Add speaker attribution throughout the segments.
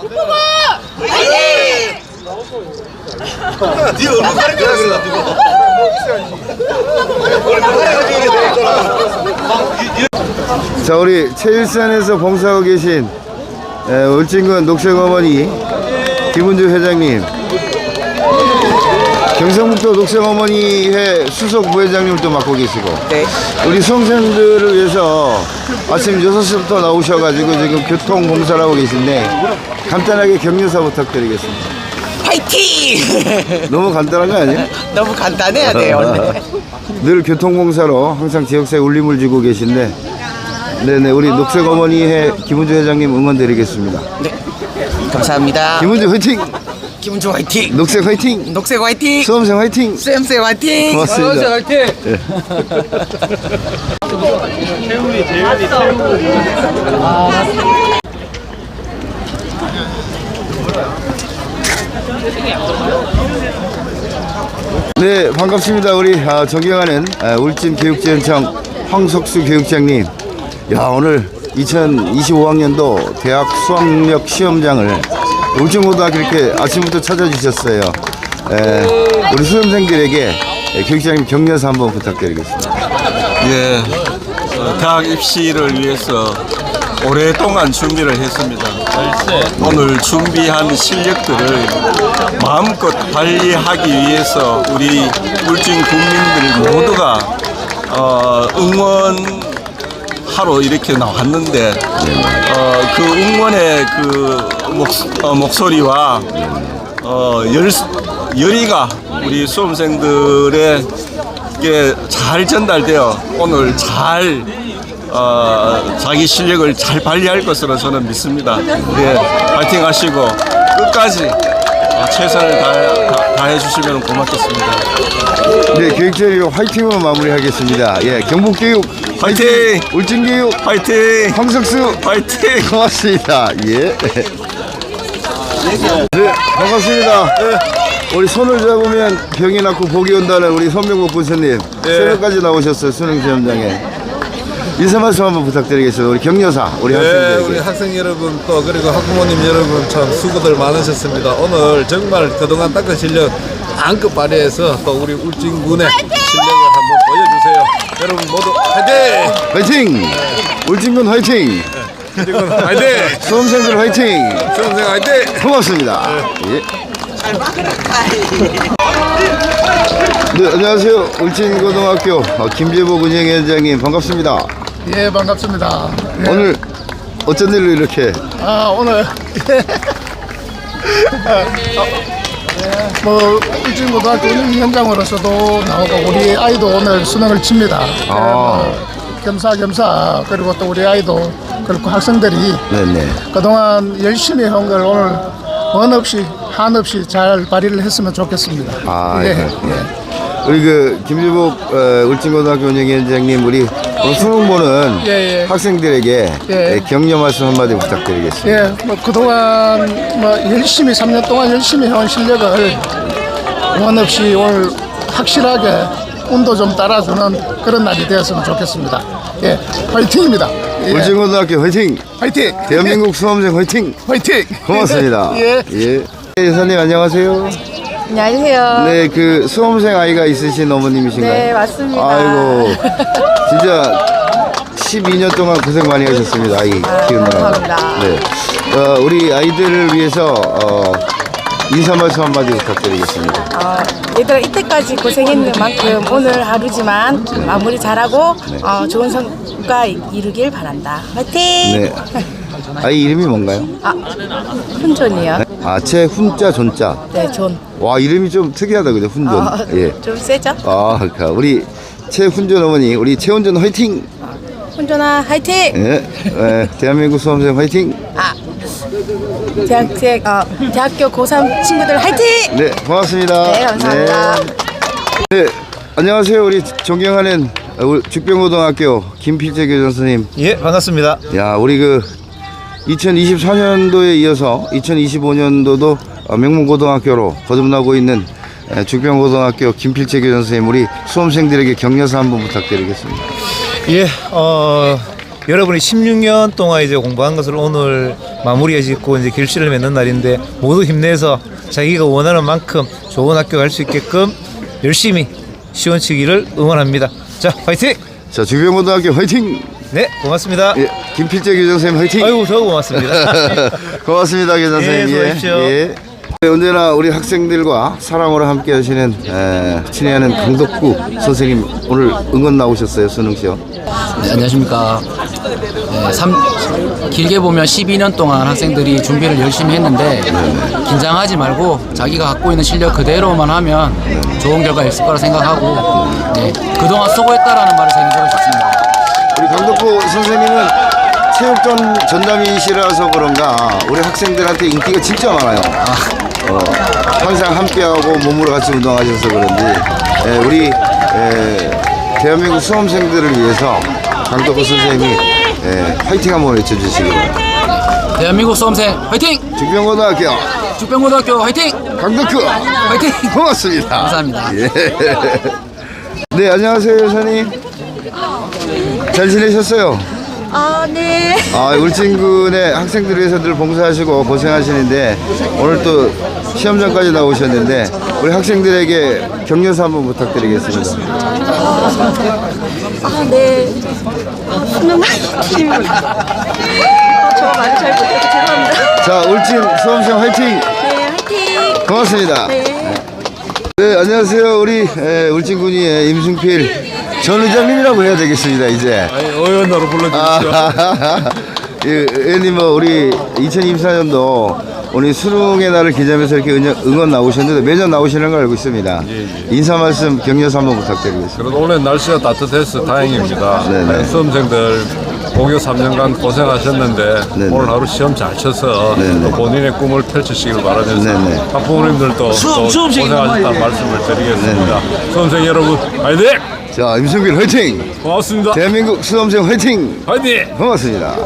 Speaker 1: 네 얼굴 가리켜놨어.
Speaker 2: 자, 우리 체일산에서 봉사하고 계신 울진군 녹색어머니 김은주 회장님, 경상북도 녹색어머니회 수석 부회장님을 또 맡고 계시고,
Speaker 3: 네.
Speaker 2: 우리 수험생들을 위해서 아침 6시부터 나오셔가지고 지금 교통봉사를 하고 계신데 간단하게 격려사 부탁드리겠습니다.
Speaker 3: 파이팅!
Speaker 2: 너무 간단한 거 아니에요?
Speaker 3: 너무 간단해야 돼요, 원래.
Speaker 2: 늘 교통봉사로 항상 지역사회에 울림을 주고 계신데, 네네, 우리 녹색어머니회 김은주 회장님 응원드리겠습니다.
Speaker 3: 네. 감사합니다.
Speaker 2: 김은주 화이팅!
Speaker 3: 김은주 화이팅!
Speaker 2: 녹색 화이팅!
Speaker 3: 녹색 화이팅!
Speaker 2: 수험생 화이팅!
Speaker 3: 수험생 화이팅!
Speaker 2: 고맙습니다.
Speaker 3: 화이팅!
Speaker 2: 예. 네, 반갑습니다. 우리 존경하는 울진교육지원청 황석수 교육장님. 야, 오늘 2025학년도 대학 수학력 시험장을 울진고등학교 이렇게 아침부터 찾아주셨어요. 우리 수험생들에게 교육장님 격려사 한번 부탁드리겠습니다.
Speaker 4: 예, 대학 입시를 위해서 오랫동안 준비를 했습니다. 오늘 준비한 실력들을 마음껏 발휘하기 위해서 우리 울진 국민들 모두가 응원하러 이렇게 나왔는데 그 응원의 그 목소리와 열의가 우리 수험생들에게 잘 전달되어 오늘 잘 자기 실력을 잘 발휘할 것으로 저는 믿습니다. 예, 파이팅 하시고 끝까지 최선을 다해 주시면 고맙겠습니다.
Speaker 2: 네, 교육자님 화이팅으로 마무리하겠습니다. 예, 경북교육
Speaker 4: 파이팅!
Speaker 2: 울진교육
Speaker 4: 파이팅!
Speaker 2: 황석수
Speaker 4: 파이팅!
Speaker 2: 고맙습니다. 예. 네, 반갑습니다. 우리 손을 잡으면 병이 낫고 복이 온다는 우리 손명국 군수님, 새벽까지 나오셨어요, 수능 시험장에. 인사 말씀 한번 부탁드리겠습니다. 우리 격려사, 우리 학생들에게.
Speaker 5: 우리 학생 여러분 또 그리고 학부모님 여러분 참 수고들 많으셨습니다. 오늘 정말 그동안 닦은 실력 안껏 발휘해서 또 우리 울진군의 실력을 한번 보여주세요. 여러분 모두 화이팅!
Speaker 2: 화이팅! 울진군 화이팅!
Speaker 5: 울진군 화이팅!
Speaker 2: 수험생들 화이팅!
Speaker 5: 수험생 화이팅!
Speaker 2: 고맙습니다. 예. 네, 안녕하세요. 울진고등학교 김재복 운영위원장님 반갑습니다.
Speaker 6: 예, 반갑습니다. 예.
Speaker 2: 오늘 어쩐 일로 이렇게?
Speaker 6: 오늘 뭐 울진고등학교 운영위원장으로서도 나오고 우리 아이도 오늘 수능을 칩니다. 겸사겸사 그리고 또 우리 아이도 그리고 학생들이
Speaker 2: 네네.
Speaker 6: 그동안 열심히 한 걸 오늘 원 없이 한 없이 잘 발휘를 했으면 좋겠습니다.
Speaker 2: 예. 우리 그 김재복 울진고등학교 운영위원장님, 우리 오늘 수능 보는
Speaker 6: 예.
Speaker 2: 학생들에게
Speaker 6: 예.
Speaker 2: 격려 말씀 한마디 부탁드리겠습니다.
Speaker 6: 예, 뭐 그동안 뭐 열심히 3년 동안 열심히 해온 실력을 원 없이 오늘 확실하게 운도 좀 따라주는 그런 날이 되었으면 좋겠습니다. 예, 화이팅입니다. 예.
Speaker 2: 울진고등학교 화이팅!
Speaker 6: 화이팅!
Speaker 2: 대한민국 수험생 화이팅!
Speaker 6: 화이팅!
Speaker 2: 고맙습니다.
Speaker 6: 예.
Speaker 2: 여사님 안녕하세요.
Speaker 7: 안녕하세요.
Speaker 2: 네, 그 수험생 아이가 있으신 어머님이신가요?
Speaker 7: 네, 맞습니다.
Speaker 2: 아이고, 진짜 12년 동안 고생 많이 하셨습니다. 아이 키우느라.
Speaker 7: 감사합니다.
Speaker 2: 네, 우리 아이들을 위해서 인사 말씀 한마디 부탁드리겠습니다.
Speaker 7: 얘들아 이때까지 고생했는 만큼 오늘 하루지만 마무리 잘하고 좋은 성과 이루길 바란다. 화이팅!
Speaker 2: 네. 아이 이름이 뭔가요?
Speaker 7: 훈존이요.
Speaker 2: 최훈자 존자.
Speaker 7: 네, 존.
Speaker 2: 와, 이름이 좀 특이하다 그죠? 훈존. 예.
Speaker 7: 좀 세죠?
Speaker 2: 그러니까 우리 최훈존 어머니, 우리 최훈존 화이팅!
Speaker 7: 훈존아 화이팅!
Speaker 2: 예. 대한민국 수험생 화이팅!
Speaker 7: 대학교 고3 친구들 화이팅!
Speaker 2: 네, 고맙습니다.
Speaker 7: 네, 감사합니다.
Speaker 2: 네, 안녕하세요. 우리 존경하는 죽병고등학교 김필재 교장 선생님.
Speaker 8: 예, 반갑습니다.
Speaker 2: 야, 우리 그 2024년도에 이어서 2025년도도 명문고등학교로 거듭나고 있는 죽병고등학교 김필재 교장 선생님, 우리 수험생들에게 격려사 한번 부탁드리겠습니다.
Speaker 8: 예, 여러분이 16년 동안 이제 공부한 것을 오늘 마무리해 짓고 이제 결실을 맺는 날인데 모두 힘내서 자기가 원하는 만큼 좋은 학교 갈 수 있게끔 열심히 시원치기를 응원합니다. 자, 화이팅!
Speaker 2: 자, 주변고등학교 화이팅!
Speaker 8: 네, 고맙습니다.
Speaker 2: 예, 김필재 교장선생님 화이팅!
Speaker 8: 아이고, 저 고맙습니다.
Speaker 2: 고맙습니다, 교장선생님.
Speaker 8: 네, 수고하십시오.
Speaker 2: 예. 언제나 우리 학생들과 사랑으로 함께 하시는 친애하는 강덕구 선생님 오늘 응원 나오셨어요, 수능 시험.
Speaker 9: 네, 안녕하십니까. 길게 보면 12년 동안 학생들이 준비를 열심히 했는데 긴장하지 말고 자기가 갖고 있는 실력 그대로만 하면 좋은 결과 있을 거라 생각하고 네, 그동안 수고했다라는 말을 전해드리고 싶습니다.
Speaker 2: 우리 강덕구 선생님은 체육관 전담이시라서 그런가 우리 학생들한테 인기가 진짜 많아요. 항상 함께하고 몸으로 같이 운동하셔서 그런지 우리 대한민국 수험생들을 위해서 강덕구 선생님이 화이팅 한번 외쳐주시기 바랍니다.
Speaker 9: 대한민국 수험생 화이팅!
Speaker 2: 죽변고등학교
Speaker 9: 화이팅!
Speaker 2: 강덕구
Speaker 9: 화이팅!
Speaker 2: 고맙습니다.
Speaker 9: 감사합니다.
Speaker 2: 예. 네, 안녕하세요 여사님. 잘 지내셨어요?
Speaker 10: 네.
Speaker 2: 울진군의 학생들을 위해서 늘 봉사하시고 고생하시는데 오늘 또 시험장까지 나오셨는데 우리 학생들에게 격려사 한번 부탁드리겠습니다.
Speaker 10: 네. 수능 화이팅입니다. 저 말을 잘 못해서 죄송합니다.
Speaker 2: 자, 울진 수험생 화이팅!
Speaker 10: 네, 화이팅!
Speaker 2: 고맙습니다. 네, 안녕하세요. 우리 울진군의 임승필 전 의장님이라고 해야 되겠습니다, 이제.
Speaker 5: 아니, 의원으로 불러주십시오.
Speaker 2: 의원님, 우리 2024년도 오늘 수능의 날을 기념해서 이렇게 응원 나오셨는데 매년 나오시는 걸 알고 있습니다. 인사 말씀 격려사 한번 부탁드리겠습니다.
Speaker 5: 그래도 오늘 날씨가 따뜻해서 다행입니다.
Speaker 2: 네네.
Speaker 5: 수험생들 고교 3년간 고생하셨는데 오늘 하루 시험 잘 쳐서 또 본인의 꿈을 펼치시길 바라면서 학부모님들도 또 고생하셨다는 말씀을 드리겠습니다. 수험생 여러분 화이팅!
Speaker 2: 자, 임승필 화이팅!
Speaker 5: 고맙습니다.
Speaker 2: 대한민국 수험생 화이팅!
Speaker 5: 화이팅!
Speaker 2: 고맙습니다.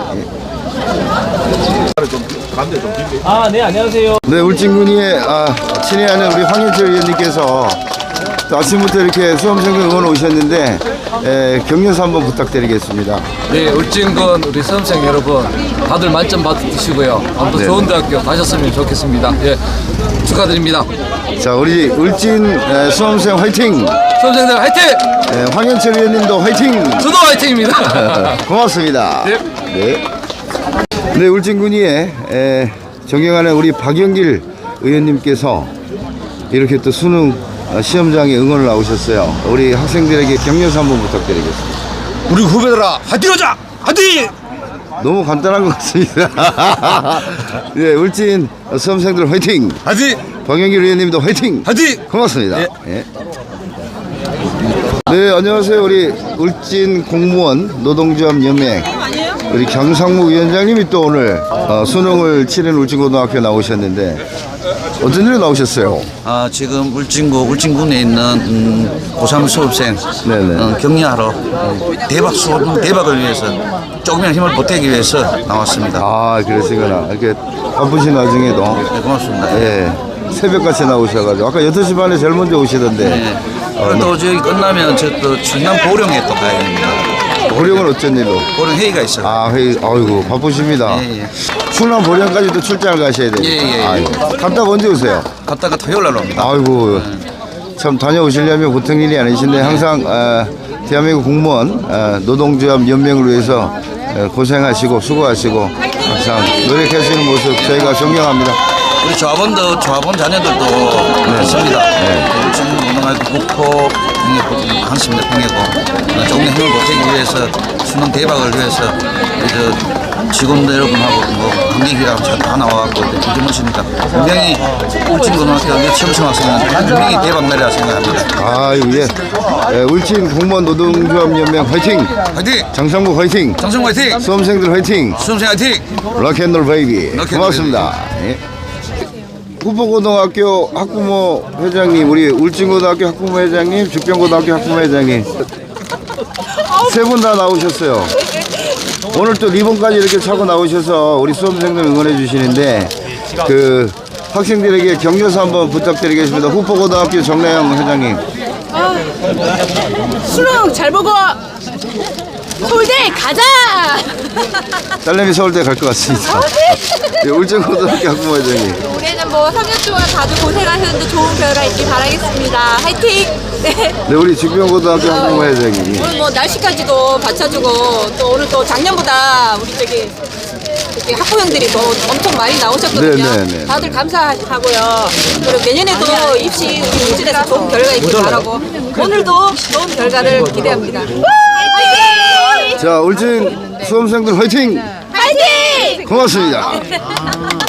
Speaker 8: 네, 안녕하세요.
Speaker 2: 네, 울진군의 친애하는 우리 황현철 의원님께서 또 아침부터 이렇게 수험생들 응원 오셨는데 격려사 한번 부탁드리겠습니다.
Speaker 9: 네, 울진군 우리 수험생 여러분 다들 만점 받으시고요. 아무튼 좋은 대학교 가셨으면 좋겠습니다. 예, 축하드립니다.
Speaker 2: 자, 우리 울진 수험생 화이팅!
Speaker 9: 수험생들 화이팅!
Speaker 2: 황현철 의원님도 화이팅!
Speaker 9: 저도 화이팅입니다.
Speaker 2: 고맙습니다. 네. 네, 울진군의 존경하는 우리 박영길 의원님께서 이렇게 또 수능 시험장에 응원을 나오셨어요. 우리 학생들에게 격려사 한번 부탁드리겠습니다.
Speaker 1: 우리 후배들아 화이팅하자! 화이팅!
Speaker 2: 너무 간단한 것 같습니다. 네, 울진 수험생들 화이팅!
Speaker 1: 화이팅!
Speaker 2: 박영길 의원님도 화이팅!
Speaker 1: 화이팅!
Speaker 2: 고맙습니다. 예. 네, 안녕하세요. 우리 울진 공무원 노동조합 연맹 우리 경상무 위원장님이 또 오늘 수능을 치른 울진고등학교에 나오셨는데 어떤 일로 나오셨어요?
Speaker 11: 지금 울진군에 있는 고3 수험생 격려하러 대박을 위해서 조금이나 힘을 보태기 위해서 나왔습니다.
Speaker 2: 그러시구나. 이렇게 바쁘신 와중에도.
Speaker 11: 네, 고맙습니다.
Speaker 2: 예. 새벽같이 나오셔가지고 아까 8시 반에 제일 먼저 오시던데.
Speaker 11: 네. 또 저기 끝나면 저 또 충남 보령에 또 가야 됩니다.
Speaker 2: 보령은 어쩐 일로?
Speaker 11: 보령 회의가 있어요.
Speaker 2: 회의. 아이고 바쁘십니다.
Speaker 11: 예.
Speaker 2: 충남 보령까지도 출장을 가셔야 돼요.
Speaker 11: 예.
Speaker 2: 갔다가 언제 오세요?
Speaker 11: 갔다가 토요일 날 옵니다.
Speaker 2: 아이고 참 다녀오시려면 보통 일이 아니신데 항상 대한민국 공무원 노동조합 연맹을 위해서 고생하시고 수고하시고 항상 노력하시는 모습 저희가 존경합니다.
Speaker 11: 우리 조합원 자녀들도 있습니다. 울진고등학교 국포 한습니다. 평해고 조금의 힘을 보태기 위해서 수능 대박을 위해서 우리 직원들 여러분하고 관계기랑 다 나와갖고 기념하십니다. 분명히 울진고등학교 시험생 학생은 분명히 대박 날이라 생각합니다.
Speaker 2: 울진 공무원 노동조합 연맹 화이팅!
Speaker 11: 화이팅!
Speaker 2: 장성국 화이팅!
Speaker 11: 장성국 화이팅!
Speaker 2: 수험생들 화이팅!
Speaker 11: 수험생 화이팅!
Speaker 2: 락앤롤 베이비 고맙습니다. 후보고등학교 학부모 회장님, 우리 울진고등학교 학부모 회장님, 죽변고등학교 학부모 회장님 세 분 다 나오셨어요. 오늘 또 리본까지 이렇게 차고 나오셔서 우리 수험생들 응원해 주시는데 그 학생들에게 격려사 한번 부탁드리겠습니다. 후보고등학교 정래영 회장님.
Speaker 7: 수능 잘 보고
Speaker 10: 서울대 가자!
Speaker 2: 딸내미 서울대 갈 것 같습니다. 네, 울진고등학교 학부모회장님.
Speaker 10: 올해는 뭐 3년 동안 다들 고생하셨는데 좋은 결과 있길 바라겠습니다. 화이팅! 네.
Speaker 2: 네, 우리 직병고등학교 학부모회장님.
Speaker 10: 오늘 뭐 날씨까지도 받쳐주고 또 오늘 또 작년보다 우리 저기 이렇게 학부형들이 또 엄청 많이 나오셨거든요.
Speaker 2: 네네네.
Speaker 10: 다들 감사하고요. 그리고 내년에도 입시 우리 울진에서 좋은 결과 있길 바라고 오늘도 좋은 결과를 기대합니다. 화이팅!
Speaker 2: 자, 울진 수험생들 화이팅!
Speaker 10: 화이팅!
Speaker 2: 고맙습니다.